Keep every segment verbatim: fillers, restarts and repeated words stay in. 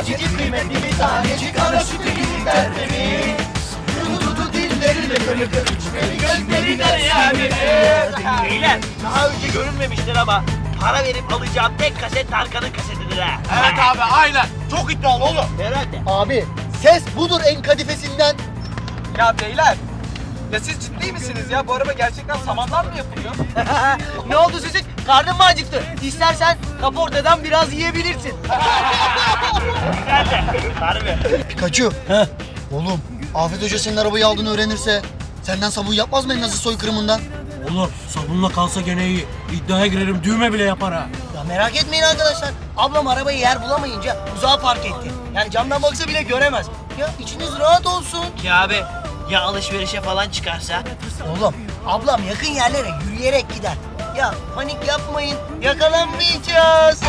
Tanecik kıymetli bir tanecik ana sütü gibi tertemiz. Dudu dilleriyle kırı kırı çiperi gözlerinden ya beni. Beyler daha önce görünmemiştir ama para verip alacağım tek kaset Tarkan'ın kasetidir ha. Evet abi aynen. Çok iddialı oğlum. Herhalde. Abi ses budur en kadifesinden. Ya beyler, ya siz ciddi misiniz ya? Bu araba gerçekten samandan mı yapılıyor? Ne oldu çocuk? Karnın mı acıktı? İstersen kaportadan biraz yiyebilirsin. Güzel de. Harbi. Pikachu. He. Oğlum Afet Hoca senin arabayı aldığını öğrenirse senden sabun yapmaz mı en azı soykırımından? Oğlum sabunla kalsa gene iyi. İddiaya girerim düğme bile yapar ha. Ya merak etmeyin arkadaşlar. Ablam arabayı yer bulamayınca uzağa park etti. Yani camdan baksa bile göremez. Ya içiniz rahat olsun. Ya abi ya alışverişe falan çıkarsa? Oğlum ablam yakın yerlere yürüyerek gider. Ya panik yapmayın. Yakalanmayacağız.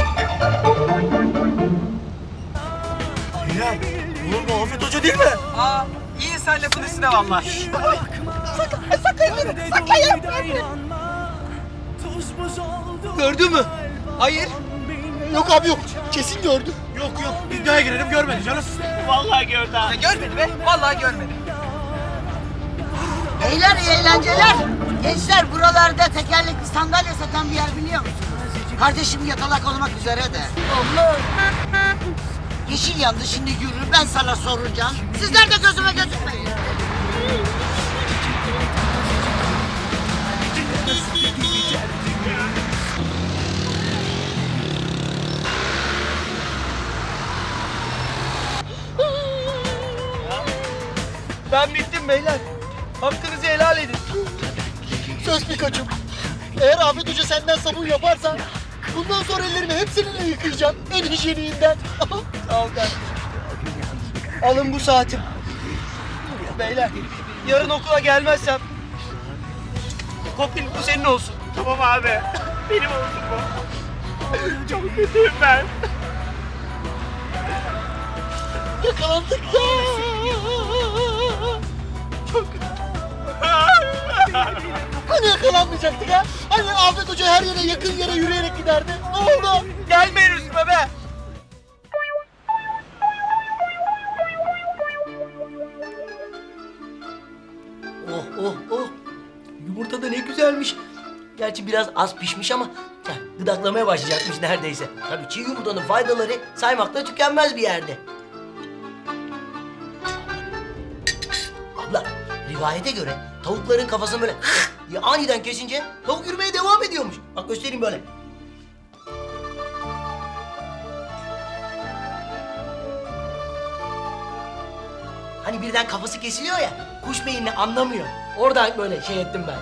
Bilal, oğlum bu Afet Hoca değil mi? Aa, iyi sen lafın üstüne valla. Gördü mü? Hayır. Yok abi yok. Kesin gördüm. Yok yok, iddiaya girerim görmedi canım. Vallahi gördü ha. Ya görmedi be, vallahi görmedi. Beyler iyi eğlenceler. Gençler buralarda tekerlekli sandalye satan bir yer biliyor musunuz? Kardeşim yatalak olmak üzere de. Allah. Yeşil yandı şimdi yürü ben sana soracağım. Sizler de gözüme gözükmeyin. Ben bittim beyler. Hakkınızı helal edin. Söz Pikachu. Eğer Afet Hoca senden sabun yaparsa bundan sonra ellerimi hep seninle yıkayacağım. En hijyeniğinden. Sağ ol kardeşim. Alın bu saatim. Beyler yarın okula gelmezsem kopil bu senin olsun. Tamam abi. Benim olsun bu. Çok kötüyüm ben. Yakalandık ya. Hani yakalanmayacaktık ha? Hani Afet Hoca her yere yakın yere yürüyerek giderdi? Ne oldu? Gelmeyin üstüme be. Oh oh oh. Yumurta da ne güzelmiş. Gerçi biraz az pişmiş ama heh, gıdaklamaya başlayacakmış neredeyse. Tabii çiğ yumurtanın faydaları saymakla tükenmez bir yerde. Abla, rivayete göre tavukların kafasını böyle diye aniden kesince tavuk yürümeye devam ediyormuş. Bak göstereyim böyle. Hani birden kafası kesiliyor ya, kuş beyinle anlamıyor. Oradan böyle şey ettim ben.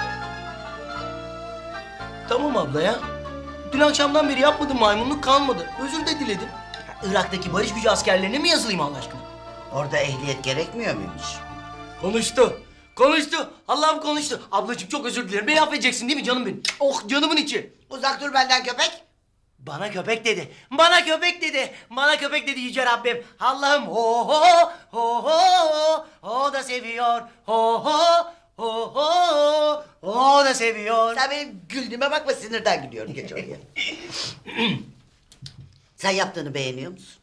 Tamam abla ya. Dün akşamdan beri yapmadım maymunluk kalmadı. Özür de diledim. Ya, Irak'taki barış gücü askerlerine mi yazılayım Allah aşkına? Orada ehliyet gerekmiyor muymuş? Konuştu. Konuştu. Allah'ım konuştu. Ablacığım çok özür dilerim. Beni affedeceksin değil mi canım benim? Oh canımın içi. Uzak dur benden köpek. Bana köpek dedi. Bana köpek dedi. Bana köpek dedi yüce Rabbim. Allah'ım ho ho ho ho o da seviyor. Ho ho ho ho o da seviyor. Sen benim güldüğüme bakma sinirden gülüyorum geç oraya. Sen yaptığını beğeniyor musun?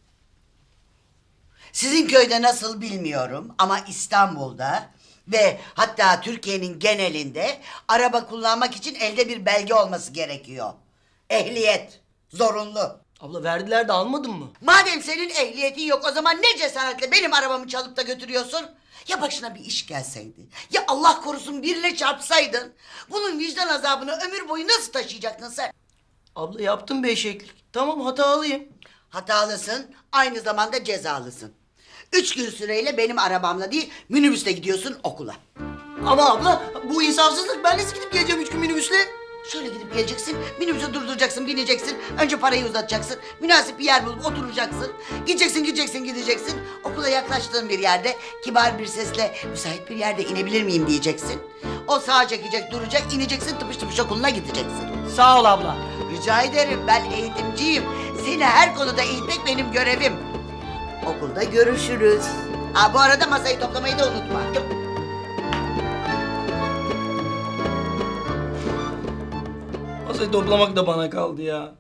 Sizin köyde nasıl bilmiyorum ama İstanbul'da ve hatta Türkiye'nin genelinde araba kullanmak için elde bir belge olması gerekiyor. Ehliyet zorunlu. Abla verdiler de almadın mı? Madem senin ehliyetin yok o zaman ne cesaretle benim arabamı çalıp da götürüyorsun? Ya başına bir iş gelseydi, ya Allah korusun birine çarpsaydın, bunun vicdan azabını ömür boyu nasıl taşıyacaktın sen? Abla yaptım bir eşeklik. Tamam hatalıyım. Hatalısın, aynı zamanda cezalısın. Üç gün süreyle benim arabamla değil, minibüsle gidiyorsun okula. Ama abla bu insafsızlık. Ben nasıl gidip geleceğim üç gün minibüsle? Şöyle gidip geleceksin, minibüse durduracaksın, bineceksin. Önce parayı uzatacaksın, münasip bir yer bulup oturacaksın. Gideceksin, gideceksin, gideceksin. Okula yaklaştığın bir yerde kibar bir sesle müsait bir yerde inebilir miyim diyeceksin. O sağa çekecek, duracak, ineceksin, tıpış tıpış okuluna gideceksin. Sağ ol abla. Rica ederim, ben eğitimciyim. Seni her konuda eğitmek benim görevim. Okulda görüşürüz. Ha bu arada masayı toplamayı da unutma. Masayı toplamak da bana kaldı ya.